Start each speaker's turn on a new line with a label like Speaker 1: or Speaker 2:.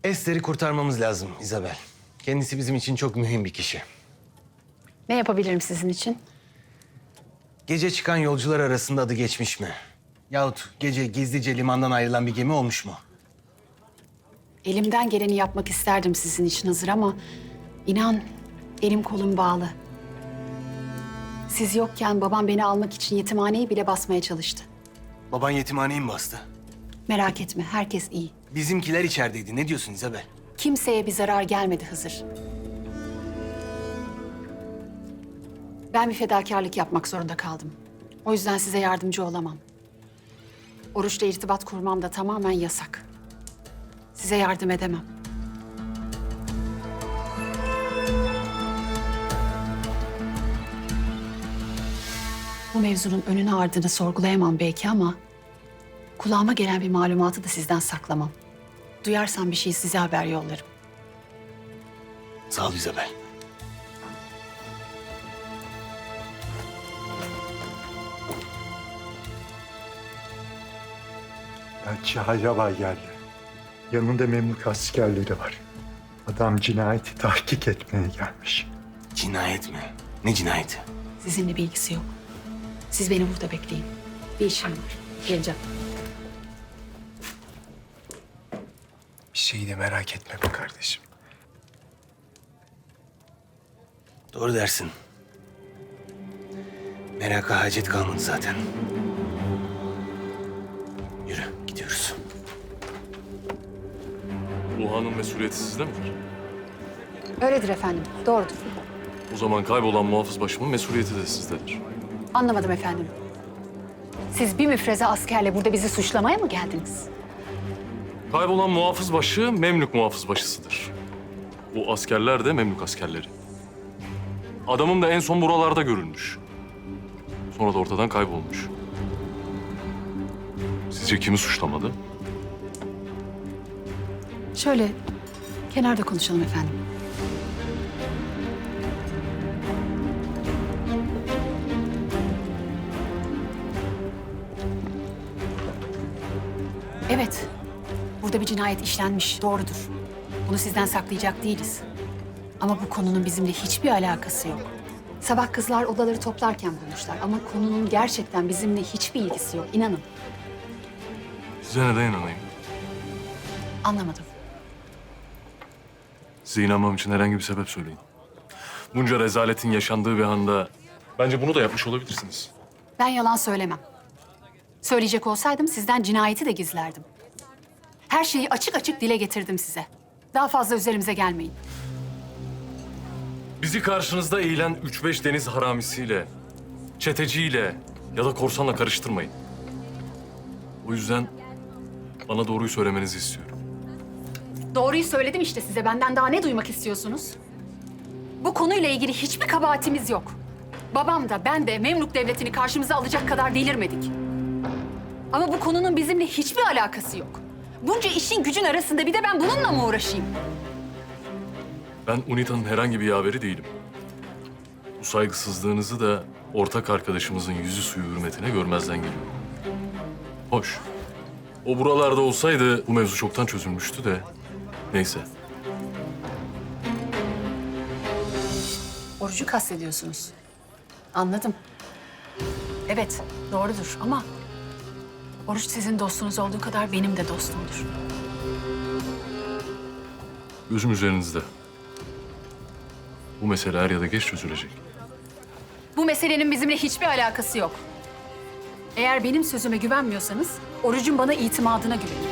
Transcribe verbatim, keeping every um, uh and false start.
Speaker 1: Esther'i kurtarmamız lazım Isabel. Kendisi bizim için çok mühim bir kişi.
Speaker 2: Ne yapabilirim sizin için?
Speaker 1: Gece çıkan yolcular arasında adı geçmiş mi? Yahut gece gizlice limandan ayrılan bir gemi olmuş mu?
Speaker 2: Elimden geleni yapmak isterdim sizin için Hızır ama... inan elim kolum bağlı. Siz yokken babam beni almak için yetimhaneyi bile basmaya çalıştı.
Speaker 1: Baban yetimhaneyi mi bastı?
Speaker 2: Merak etme, herkes iyi.
Speaker 1: Bizimkiler içerideydi. Ne diyorsun Isabel?
Speaker 2: Kimseye bir zarar gelmedi Hızır. Ben bir fedakarlık yapmak zorunda kaldım. O yüzden size yardımcı olamam. Oruç'la irtibat kurmam da tamamen yasak. Size yardım edemem. Bu mevzunun önünü ardını sorgulayamam belki ama... kulağıma gelen bir malumatı da sizden saklamam. Duyarsam bir şey size haber yollarım.
Speaker 1: Sağ ol Isabel.
Speaker 3: Elçi Hayrabay geldi. Yanında Memlük askerleri var. Adam cinayeti tahkik etmeye gelmiş.
Speaker 1: Cinayet mi? Ne cinayeti?
Speaker 2: Sizinle bir ilgisi yok. Siz beni burada bekleyin. Bir işim var. Geleceğim.
Speaker 4: Bir şeyi de merak etme be kardeşim.
Speaker 1: Doğru dersin. Meraka hacet kalmadı zaten. Yürü, gidiyoruz.
Speaker 5: Luha'nın mesuliyeti sizde midir?
Speaker 2: Öyledir efendim. Doğrudur.
Speaker 5: O zaman kaybolan muhafız başımın mesuliyeti de sizdedir.
Speaker 2: Anlamadım efendim. Siz bir müfreze askerle burada bizi suçlamaya mı geldiniz?
Speaker 5: Kaybolan muhafız başı Memlük muhafız başısıdır. Bu askerler de Memlük askerleri. Adamım da en son buralarda görülmüş. Sonra da ortadan kaybolmuş. Sizce kimi suçlamadı?
Speaker 2: Şöyle kenarda konuşalım efendim. Evet, burada bir cinayet işlenmiş, doğrudur. Bunu sizden saklayacak değiliz. Ama bu konunun bizimle hiçbir alakası yok. Sabah kızlar odaları toplarken bulmuşlar ama konunun gerçekten bizimle hiçbir ilgisi yok, inanın.
Speaker 5: Size neden inanayım?
Speaker 2: Anlamadım.
Speaker 5: Size inanmam için herhangi bir sebep söyleyin. Bunca rezaletin yaşandığı bir anda bence bunu da yapmış olabilirsiniz.
Speaker 2: Ben yalan söylemem. Söyleyecek olsaydım sizden cinayeti de gizlerdim. Her şeyi açık açık dile getirdim size. Daha fazla üzerimize gelmeyin.
Speaker 5: Bizi karşınızda eğilen üç beş deniz haramisiyle, çeteciyle ya da korsanla karıştırmayın. O yüzden bana doğruyu söylemenizi istiyorum.
Speaker 2: Doğruyu söyledim işte size. Benden daha ne duymak istiyorsunuz? Bu konuyla ilgili hiçbir kabahatimiz yok. Babam da ben de Memlük Devleti'ni karşımıza alacak kadar delirmedik. Ama bu konunun bizimle hiçbir alakası yok. Bunca işin gücün arasında bir de ben bununla mı uğraşayım?
Speaker 5: Ben UNITA'nın herhangi bir yaveri değilim. Bu saygısızlığınızı da ortak arkadaşımızın yüzü suyu hürmetine görmezden geliyorum. Hoş. O buralarda olsaydı bu mevzu çoktan çözülmüştü de neyse.
Speaker 2: Orucu kastediyorsunuz. Anladım. Evet, doğrudur ama... Oruç sizin dostunuz olduğu kadar benim de dostumdur.
Speaker 5: Gözüm üzerinizde. Bu mesele er ya da geç çözülecek.
Speaker 2: Bu meselenin bizimle hiçbir alakası yok. Eğer benim sözüme güvenmiyorsanız, Oruç'un bana itimadına güvenin.